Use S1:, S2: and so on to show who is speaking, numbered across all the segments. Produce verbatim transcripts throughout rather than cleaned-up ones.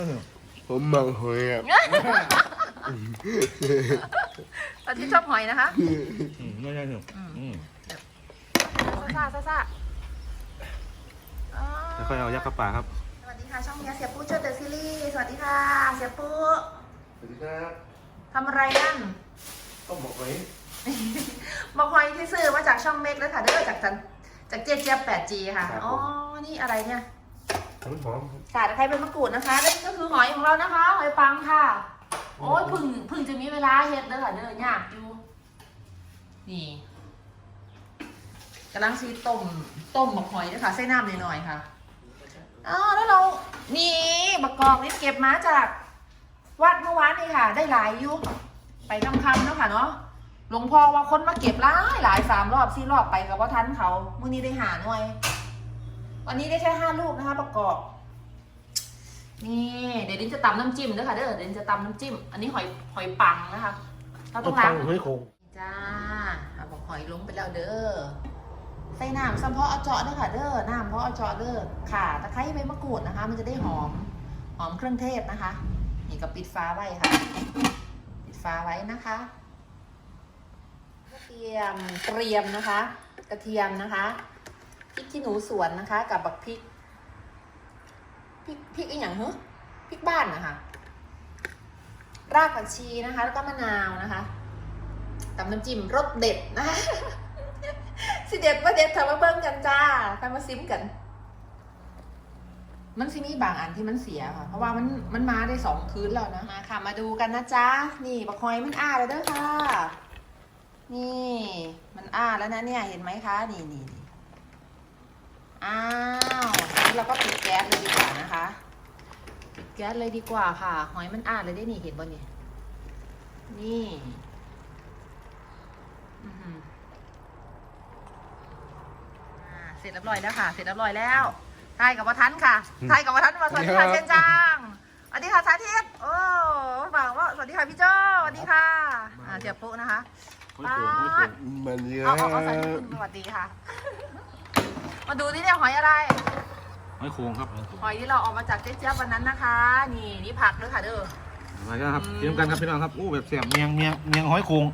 S1: ผมมังหอยอ่ะ
S2: ตอนที่ชอบหอยนะคะ
S3: ไม่ใช่หนึ่ง
S2: ซ่าซ่าซ่า
S3: แล้วค่อยเอายักษ์กระป๋าครับ
S2: สวัสดีค่ะช่องเมียเสียปุ๊ช่วยเตอร์ซีรีส์สวัสดีค่ะเสียปุ๊
S1: สวัสดีครับ
S2: ทำอะไรนั่น
S1: ต้องบอกไว้
S2: บอกหอยที่ซื้อมาจากช่องเมกแล้วค่ะเด้อจากจากจากเจี๊ยบเจี๊ยบ แปดจี ค่ะอ๋อนี่อะไรเนี่ย
S1: หอมหอม
S2: สาดใครเป็นมะกรูดนะคะนี่ก็คือหอยของเรานะคะหอยปังค่ะโอ้ยพึ่งพึ่งจะมีเวลาเฮ็ดเด้อค่ะเด้อยากอยู่นี่กำลังซีต้มต้มบักหอยด้วยค่ะใส่น้ำหน่อยๆค่ะอ๋อแล้วเรานี่บักกอกนี่เก็บมาจากวัดเมื่อวานนี่ค่ะ ได้หลายอยู่ไปคำคำๆเนาะค่ะเนาะหลวงพ่อว่าคนมาเก็บหลายหลายสามรอบสี่รอบไปกับว่าทันเขามื้อนี้ได้หาหน่วยวันนี้ได้แค่ห้าลูกนะคะประกอบนี่เดี๋ยวดินจะตำน้ำจิ้มด้วยค่ะเด้อเดี๋ยวดินจะตำน้ำจิ้มอันนี้หอยหอยปังนะคะเราต้องล้าง
S1: หอยโขง
S2: จ้าเอาบอกหอยลงไปแล้วเด้อใส่น้ำซ้ำเพาะเอาเจาะด้วยค่ะเด้อน้ำเพาะเอาเจาะเด้อข่าตะไคร้ใบมะกรูดนะคะ มันจะได้หอมหอมเครื่องเทศนะคะนี่ก็ปิดฟ้าไว้ค่ะปิดฟ้าไว้นะคะเตรียมเตรียมนะคะ กระเทียมนะคะพริกขี้หนูสวนนะคะ กับบักพริกพริกพริกอีกอย่างเหรอพริกบ้านนะคะรากผักชีนะคะ แล้วก็มะนาวนะคะตำน้ำจิ้มรสเด็ดนะคะสิเด็ดว่าเด็ดเถอะมาเบิ่งกันจ้าไปมาซิมกัน มันสิมีบางอันที่มันเสียค่ะ เพราะว่ามันมันมาได้สองคืนแล้วนะมาค่ะมาดูกันนะจ๊ะนี่บักหอยมันอ้าแล้วเด้อค่ะนี่มันอ้าแล้วนะเนี่ยเห็นไหมคะนี่นี่นี่อ้าวนี่เราก็ปิดแก๊สเลยดีกว่านะคะปิดแก๊สเลยดีกว่าค่ะหอยมันอ้าเลยได้นี่เห็นบ่เนี่ยนี่อือหืออ่าเสร็จเรียบร้อยแล้วค่ะเสร็จเรียบร้อยแล้วทายกับวัฒนค่ะทายกับวัฒนมาสวัสดีค่ะเชนจังสวัสดีค่ะสาธิตโอ้บอกว่าสวัสดีค่ะพี่โจ้สวัสดีค่ะอ่าเจียบปุ๊นะคะป้าด
S1: มันเยอะ
S2: เอาเอาเอาใส่ถุงสวัสดีค่ะ มาดูนี่เนี่ยหอยอะไร
S3: หอยโขงครับ
S2: หอยที่เราเออกมาจากเจ๊เจี๊ยบวันนั้นนะคะ นี่นี่ผักด้วยค่ะเด้อ
S3: มาแล้วครับเตรียมกันครับพี่น้องครับอู้แบบเสียบเมียงเมียงเมียงหอยโขง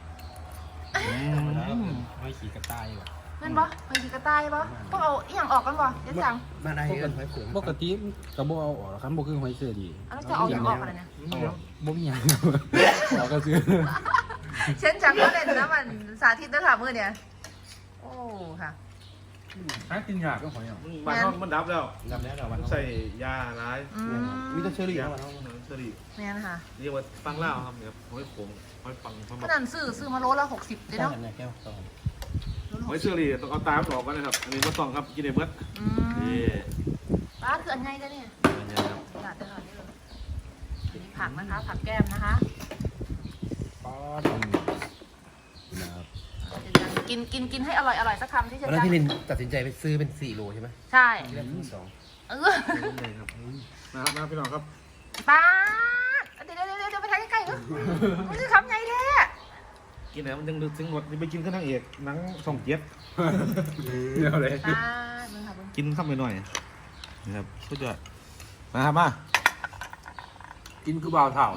S4: ไม่ขี่กระต่ายว่ะ
S2: แม่นบ่หอยขีกระต่ายบ่ต้องเอาอีหยังออกกันบ่เจ๊จัง
S1: มาได้กันหอยโขง
S4: ปกติกระบอกเอาออกครับบ่คือหอยเสือดี
S2: เอาแล้วจะเอาอีหยังออกกันเนี่ย
S4: บ่มีหยังออกก็คือ
S2: เช่นจังก็เล่นนะมันสาธิตด้วยค่ะมือเนี่ยโอ้ค่ะ
S4: หากินยากก็หอยอ่ะ
S3: บ้านน้องมันดับแล้ว
S4: จำได้แล้ววัน
S3: ใส่ยาร้าย
S2: อืม
S1: มีแต่เชอรี่
S3: ยา
S1: นะ
S3: เชอรี่
S2: แม่นค่ะ
S3: เรียกว่าฟังเล่าครับเนี่ยหอยโขงหอยปังหอย
S2: ข
S3: ปัง
S2: นาดซื้อซื้อมาโลละหกสิบเลยเนาะ
S4: แก้วตอน
S2: โลละ
S3: ห
S2: ห
S3: อย
S2: ก
S3: เช
S2: สิบ
S3: อรี่ต้องเอาตาออกกันนะครับอันนี้มาต้องครับกินได้เบิด
S2: อื
S3: นี่
S2: มป้าคืออันไงจ้ะเนี่ย
S3: อันนี้ครับ
S2: หลาดตลอดนี่เลยอันนี้ผักนะคะ ผักแก้มนะคะ
S4: ป๊อดนะครับ
S2: กินกินกินให้อร่อยอร่อยสักคำที่จะ
S1: วันนั้น
S2: จัง
S1: พี่ลินตัดสินใจไปซื้อเป็นสี่โลใช่ไหม
S2: ใช่
S1: ที่แรกซื้อสอง
S2: เออ
S3: เลยครับนะครับนะพี่น้องครับ
S2: ป้าเดี๋ยวเดี๋ยวเดี๋ยวเดี๋ยวไปทานใกล้ๆเออมันคือคำไงแท้
S3: กินแล้วมันยังดึกถึงหมดนี่ไปกินข้าวนางเอกหนังส่องเจ็ด
S4: เดี๋ยวเลย
S2: ป้ามึงค่ะมึง
S3: กินข้าวไปหน่อยนะครับสุดยอดมาครับมา
S4: กินคือบ่าวเถ่า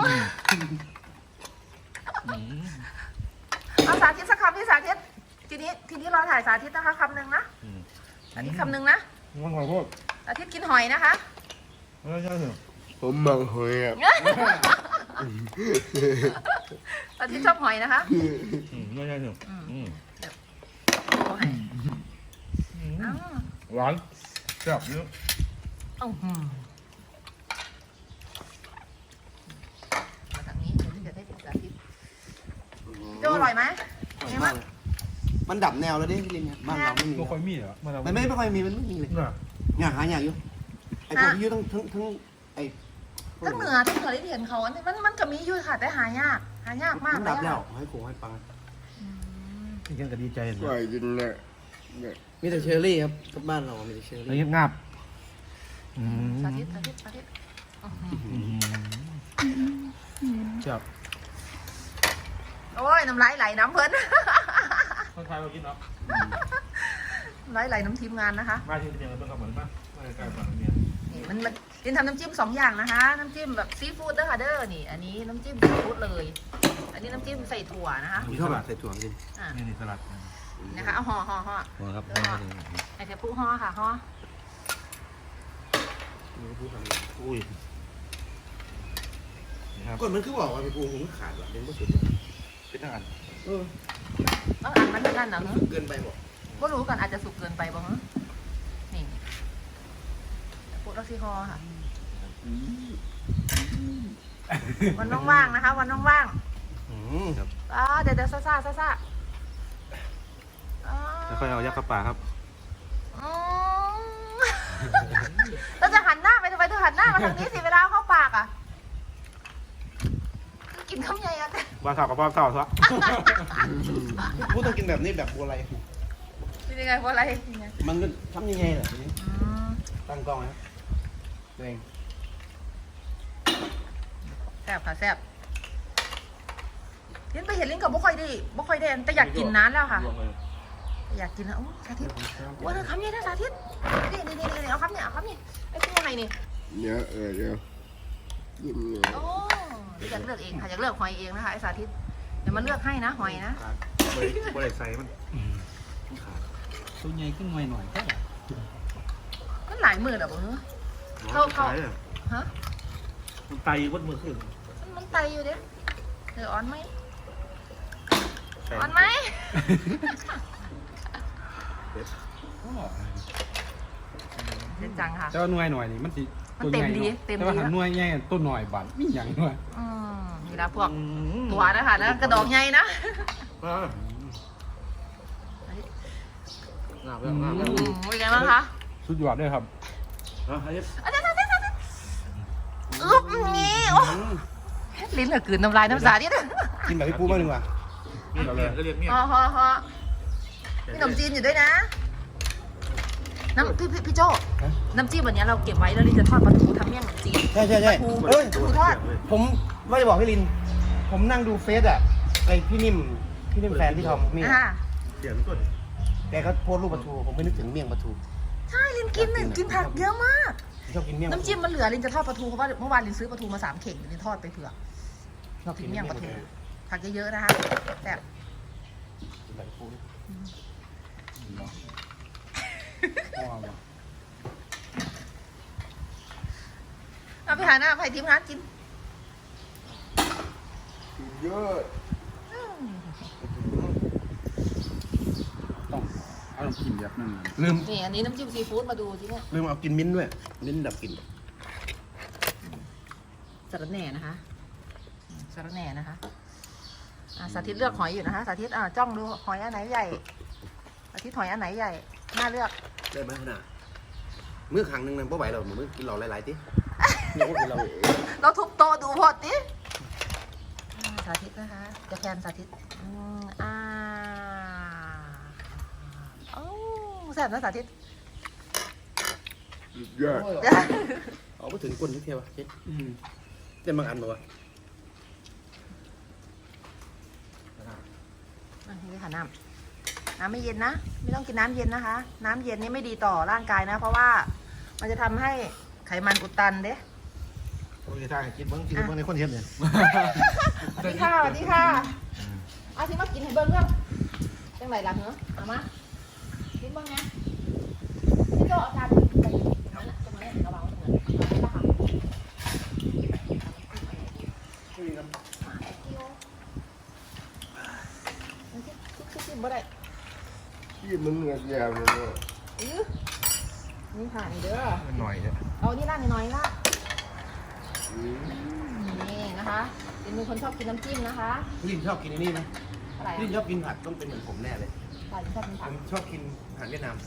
S2: เอาสาธิตสักคำที่สาธิตทีนี้ทีนี้เราถ่ายสาธิตนะคะคำหนึ่งนะสาธิตคำหนึ่งนะ
S3: มันขอโทษ
S2: สาธิตกินหอยนะคะ
S3: ไม่ใช่เหรอ
S1: ผมมังหอยอ่ะ
S2: สาธิตชอบหอยนะคะ
S3: ไม่ใช่เหรอ
S2: โอ้ยอ้าว
S3: หวานแซ่บเยอะ
S2: อ้าวหืมมาทางนี้เดี๋ยวจะได้เป็นสาธิตโจอร่อยไหมไงบ้าง
S1: มันดับแนวแล้วดิพี่ลินบ้านเราไม่มี
S4: บ่ค่อยมีเหรอ
S1: มันไม่ไม่ค่อยมีมันไม่มีเลย
S3: น่ะ
S1: อยากหาอยากอยู่ไอ้พวกที่อยู่ทั้งทั้งทั้งไอ้
S2: ทั้งเหนือทั้งเหนือได้เห็นเขาอันนี้มันมันก็มีอยู่ค่ะแต่หายากหายากมาก
S1: มัน
S2: เล
S1: ดั
S2: ย
S1: บแล้ว
S2: อะ
S1: หอยโขงหอยปัง
S2: อืม
S3: นี่ยังก็ดีใจเลย
S1: ก็กินเลยมีแต่เชอรี่ครับกับบ้านเรามีแต่เชอ
S3: แล้ว
S1: รี่
S3: ยังงับ
S2: สาธิตสาธิตสาธิตอื้อหือ
S3: จับ
S2: โอ้ยน้ำลายไหลน้ำเพลิน
S3: คนไทยมากินเนาะ
S2: น้ำลายไหลน้ำทีมงานนะคะ
S3: มาที่เป็นยังไงบ้างครับเหมือนป่ะมาใกล้ๆฝั่งเนี่ย
S2: นี่มันมันลินทำน้ำจิ้มสองอย่างนะคะ น้ำจิ้มแบบซีฟู้ดเด้อค่ะเด้อนี่ อันนี้น้ำจิ้มซีฟู้ดเลย อันนี้น้ำจิ้มใส่ถั่วนะคะ
S1: ผมชอบแบบใส่ถั่วกิน
S2: อ่ะ
S3: นี่นี่สลัด
S2: นะคะเอาห่อห่อห่อ
S3: หัวครับ
S2: เออห่อไอเทปุ๊ห่อค่ะห่อ
S3: อุ้ยนี่ครับ
S1: ก่อนมันคือบอกว่าพี่ปูผมขาดว่ะเป็นผู้สุด
S3: เป็นทางอัน
S1: เออ
S2: ต้องอ่านมันเหมือนกันเหรอ
S1: เกินไปบอก
S2: ก็รู้กันอาจจะสุกเกินไปบ้างฮะนี่ปุ๊ลักซี่ห่อค่ะ วันว่างๆนะคะ วันว่าง
S1: อืมครับ
S2: ๆอ่าเดี๋ยวเดี๋ยวซ่าซ่าซ่าซ่าอ่า
S3: แล้วค่อยเอายักษ์เข้าปากครับ
S2: อืมเราจะหันหน้าไปทำไมเธอหันหน้ามาทางนี้สิเวลาเข้าปากอ่ะ กินข้าวใหญ่อะ
S3: บ้าสาวกับบ้าสาวซะ
S1: พูดต้องกินแบบนี้แบบบัวไร
S2: เป็นยังไงเพราะอะไรยังไง
S1: มันก็ทำยังไงล่ะทีนี้
S2: อืม
S1: ตั้งกล้องนะครับตัวเอง
S2: แซ่บค่ะแซ่บลิ้นไปเห็นลิ้นกับบ่ค่อยดีบ่ค่อยได้แต่อยากกินนานแล้วค่ะ อยากกินแล้วโอ้สาธิตว่าเธอคำนี้นะสาธิตนี่นี่นี่นี่เอาคำเนี่ยเอาคำนี่ไอ้ที่ยังไงนี่
S1: เดี๋ยวเออเดี๋ยวยิ้มเนี่ย
S2: โอ้อยากเลือกเองค่ะอยากเลือกหอยเองนะคะไอ้สาธิตเดี๋ยวมาเลือกให้นะหอยนะ
S3: บริบริใส่มัน
S4: ตัวใหญ่ขึ้นหน่อยหน่อยแค่
S2: มันหลายหมื่นอ่ะบ่เฮ้ย เข้าเข้า ฮะ
S3: มันไตวัดมือขึ้น
S2: มันมันไตอยู่เด้เธออ่อนไหมอ่อนไหมเด็ดจังค่ะ
S4: แต่ว่าหน่วยหน่อยนี่มันสิ
S2: มันเต็มดีเต็มดี
S4: แต่ว่าหันหน่วยใหญ่ตัวหน่อยบาดมีหยังด้วย
S2: อืมนี่ละพวกตัวนะคะนะกระดองใหญ่นะ
S3: งาบ
S2: อื
S3: งาบ
S2: มเป็นไงบ้างคะ
S4: สุดยอดด้วยครับ
S2: อาจารย์อาจารย์อาจารย์อึ๊บนี่โอ้ลิ้นเหลือกลืนน้ำลายน้ำสาดิ
S1: กินแบบพี่ปูบ้างดีกว่า
S3: นี่เราเรียกก็เรียกเนี่ย
S2: ฮอฮอฮอมีขนมจีนอยู่ด้วยนะ น้ำพี่พี่พี่โจน้ำจิ้มวันนี้เราเก็บไว้แล้วลินจะทอดปลาทูทำเมี่ยงขนมจีน
S1: ใช่ใช่ใช่
S2: ปลาทู
S1: เอ้ย
S2: ปลาทูทอด
S1: ผมว่าจะบอกพี่ลิน ผมนั่งดูเฟซอ่ะไอพี่นิ่มพี่นิ่มแฟนพี่ทอมนี่
S2: อ่า
S3: เสียงต้น
S1: แกเขาโพสต์รูปปลาทูผมไม่นึกถึงเมี่ยงปลาทู
S2: ใช่ลินกินเนี่ยกินผักเยอะมาก
S1: ชอบกินเมี่ยงปลาทู
S2: น้ำจิ้มมันเหลือลินจะทอดปลาทูเพราะว่าเมื่อวานลินซื้อปลาทูมาสามเข่งลินทอดไปเผื่อ
S1: ชอบ
S2: กิ
S1: กิ
S2: น
S1: น
S2: เมี่
S1: เมี่
S2: ย
S1: ย
S2: ง
S1: ง
S2: ป
S1: ป
S2: ลา
S1: ลา
S2: ทู
S1: ทู
S2: ผักเยอะๆนะคะแต่บ
S1: กินแบบพี่ปู
S4: ว้าว
S2: เอาไปหาหน้าไปทีมงานกิน
S1: เยอะ
S4: ต้องเอาน้ำจิ้มแบบนึง
S1: ลืม
S2: นี่อันนี้น้ำจิ้มซีฟู้ดมาดูทีเนี่ย
S1: ลืมเอากินมิ้นท์ด้วยมิ้นท์ดับกลิ่น
S2: สาระแหน่นะคะสาระแหน่นะคะอ่ะสาธิตเลือกหอยอยู่นะคะสาธิตอ่ะจ้องดูหอยอันไหนใหญ่สาธิตหอยอันไหนใหญ่น่าเลือก
S1: ได้ไหมขนาดมื้อครั้งหนึ่งนั่นเพราะไหวเรามื้อกินเราหลายๆทีเนี่ยก็คือเรา
S2: เราทุบโตะดูพอดิอ่าสาธิตนะคะจะแคนสาธิตอืมอ่าโอ้แซ่บนะสาธิต
S1: เยอะเอาไปถึงก้นที่เที่ยวเจ๊เจ๊บางอันบอกว่า
S2: อ่ะนี่ค่ะน้ำน้ำไม่เย็นนะไม่ต้องกินน้ำเย็นนะคะ น้ำเย็นนี่ไม่ดีต่อร่างกายนะ เพราะว่ามันจะทำให้ไขมันอุดตันเด้
S1: โอ้ยท่ากินเบิ้งกินเบิ้งในคนเทียมเนี่ย
S2: สวัสดีค่ะสวัสดีค่ะเอาที่มากินให้เบิ้งเรื่องจังไหนล่ะเหรอเอามากินเบิ้งนะพี่โจเอาจารย์ไปนั่นน่ะตรงนั้นระวังตรงนั้นนี่ละค่ะชิชิบ่ได้
S1: ที่มันเหงือกยาวเลย
S2: อื้อนี่ค่ะนี่เด้อ
S3: หน่อยเนี่ย
S2: เอานี่ละน้อยๆละนี่นะคะเป็นมือคนชอบกินน้ำจิ้มนะคะ
S1: พี่ลินชอบกินอันนี้ไหม
S2: อะไร
S1: พี่ลินชอบกินผัดต้องเป็นเหมือนผมแน่เลย
S2: ใช่ชอบกิน
S1: ผ
S2: ผัก
S1: มชอบกินอาหารเวียดนาม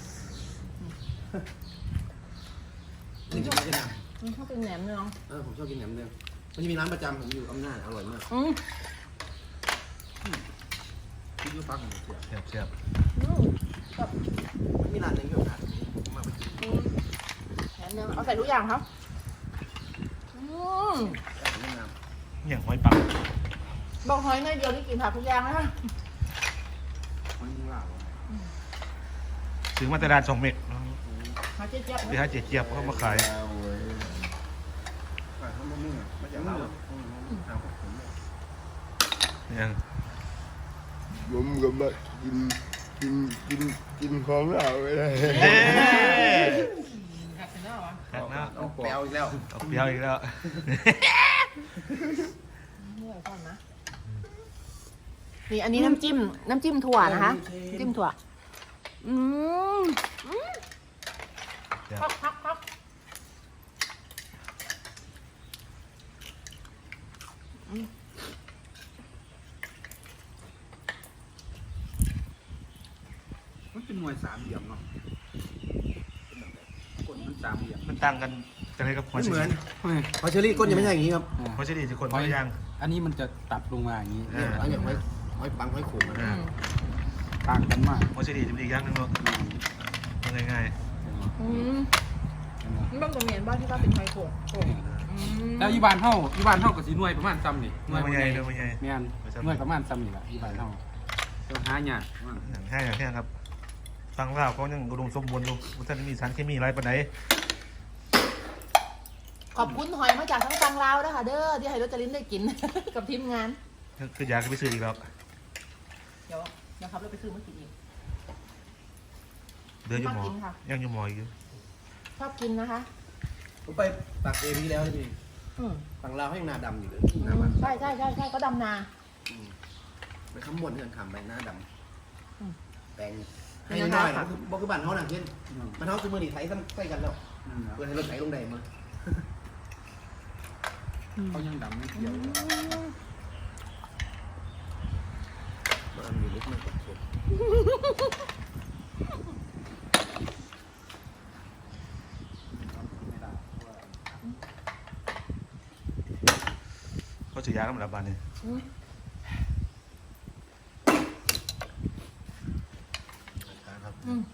S1: ลินชอบกินเวียดนาม
S2: อืมชอบกินแหนมเนือง
S1: เออผมชอบกินแหนมเนืองมันจะมีร้านประจำผมอยู่อำนาจอร่อยมาก
S2: อืม
S1: พี่ยูฟังเสีย
S3: เสียบเสียบ
S2: อืมแบบ
S1: มันมีร้านหนึงที่ผมทานผมมาไปกิน
S2: อืมแหนมเนืองเอาใส่ทุกอย่างครับอืม
S1: อาหารเวียดนาม
S3: อย่างหอยปัก
S2: บอกหอยหน่อยเดียวนี่กินผักทุกอย่างนะคะ
S1: มันมีลาบ
S3: ถึงมาตรดานสองเม็ด
S2: หอยเจี๊ยบๆ
S3: ที่ให้เจี๊ยบเขามาขาย
S1: เว้ยมันนึ่งมันจะเล่า
S3: ยัง
S5: ผมก็มากินกินกินกินของเราไปเลย
S3: เอ๊ะ
S2: หักเสร็จแล้วเหรอ
S3: หักแล้ว
S1: เอาแปลวอีกแล้ว
S3: เอาเปรี้ยวอีกแล้ว
S2: เมื่อยก่อนนะนี่อันนี้น้ำจิ้มน้ำจิ้มถั่วนะคะน้ำจิ้มถั่วอืมอืมพักพักพัก
S4: มันเป็นหน่วยสามเหลี่ยมเนาะคนมันสามเหลี่ยม
S3: มันต่างกันจะไรกับหัว
S1: ไม่
S3: เชอ
S1: เหมือน
S3: รี่
S1: หอยเชอรี่ก้นยังไม่ใช่อย่างนี้ครับ
S3: หัวเชอรี่จะคนคนละอย่าง
S4: อันนี้มันจะตัดลงมาอย่างนี้
S1: เนี่ยเอาอย่างหอยหอยปังหอยขมอะ
S3: อ่า
S4: ต่างกันมาก
S3: หัวเชอรี่จะเป็นอีกอย่างหนึงเนาะง่าย
S2: อืมนี่บางตรงเห็นบ้านที่ว่าเป็นไฟโขกโขกอืม
S4: แล้วยี่บานเท่ายี่บานเท่ากับสีหน่วยประมาณซ้ำนี่
S3: ๆหน่วยมันใหญ่หน่วยมันใหญ่
S4: แม่นหน่วยประมาณซ้ำนี่แหละยี่บานเท่าต้องหาหยาดมัน
S3: อย่างแค่อย่างแค่ครับฟังเล่าเขายังอุดมสมบูรณ์อยู่มันจะมีสารเคมีอะไรปานไหน
S2: ขอบคุณหอยมาจากทั้งฟังลาวนะคะเด้อที่ให้รจรินได้กิน กับทีมงาน
S3: คืออยากไปซื้ออีกแล้ว
S2: เดี๋ยวนะครับเราไปซื้อมากินอีก
S3: เดืออยู่หมอ
S2: ชอบกินค่ะ
S3: ยังอยู่หมออยู่
S2: ชอบกินนะคะ
S1: ผมไปปากเอพีแล้วนี่
S2: อืม
S1: ฝั่งลาวให้หน้าดำอยู่เลย
S2: อื
S1: หน้าม มัน
S2: ใช่ใช่ใช่ใช่ก็ดำนา
S1: ไปขมวนเงินขำไปหน้าด
S2: อืม
S1: ำแปลงให้น้อยๆนะบอกคือบ้านเขาหนังเช่นมันเขาคือมือหนีไถซ้ำใส่กันแล้วเพื่อให้รถไถลงได้มา
S4: เขายังดำไม่เกี่ยว
S1: มันมีลึกมากกว่าสุด
S3: เขาจะยากันหมดแล้วบ้านนี้
S2: อืมอืม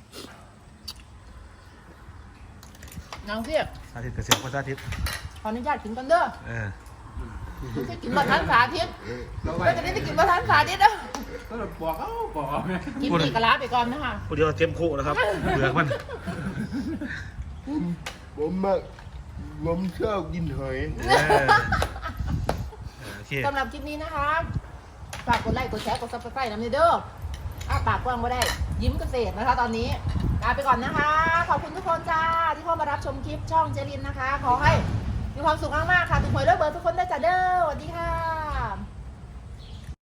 S2: น้องเพียก
S3: สาธิตเกษตรก็สาธิต
S2: ขออนุญาตกินกันเด้อ
S3: เออ
S2: ไม่ใช่กินบะทันสาธิต
S4: เราไป
S2: เราจะได้ไปกินบะทันสาธิตนะ
S4: ก็บอกเขาบอกเอาไหม
S2: กินอีกกะลาไปก่อนนะคะ
S3: พวกเดียวเจ็มโคนะครับเบือกมัน
S5: ผมผมมาผมชอบกินหอย
S3: เออโอเค
S2: สำหรับคลิปนี้นะคะ ฝากกดไลค์ กดแชร์ กดซับสไครต์น้ำเด้ออ้าปากกว้างก็ได้ ยิ้มเกษตรนะคะ ตอนนี้ลาไปก่อนนะคะ ขอบคุณทุกคนจ้า ที่เข้ามารับชมคลิปช่องเจรินนะคะ ขอให้มีความสุขมากๆค่ะ ทุกคนเลิกเบอร์ทุกคนได้จ้าเด้อสวัสดีค่ะ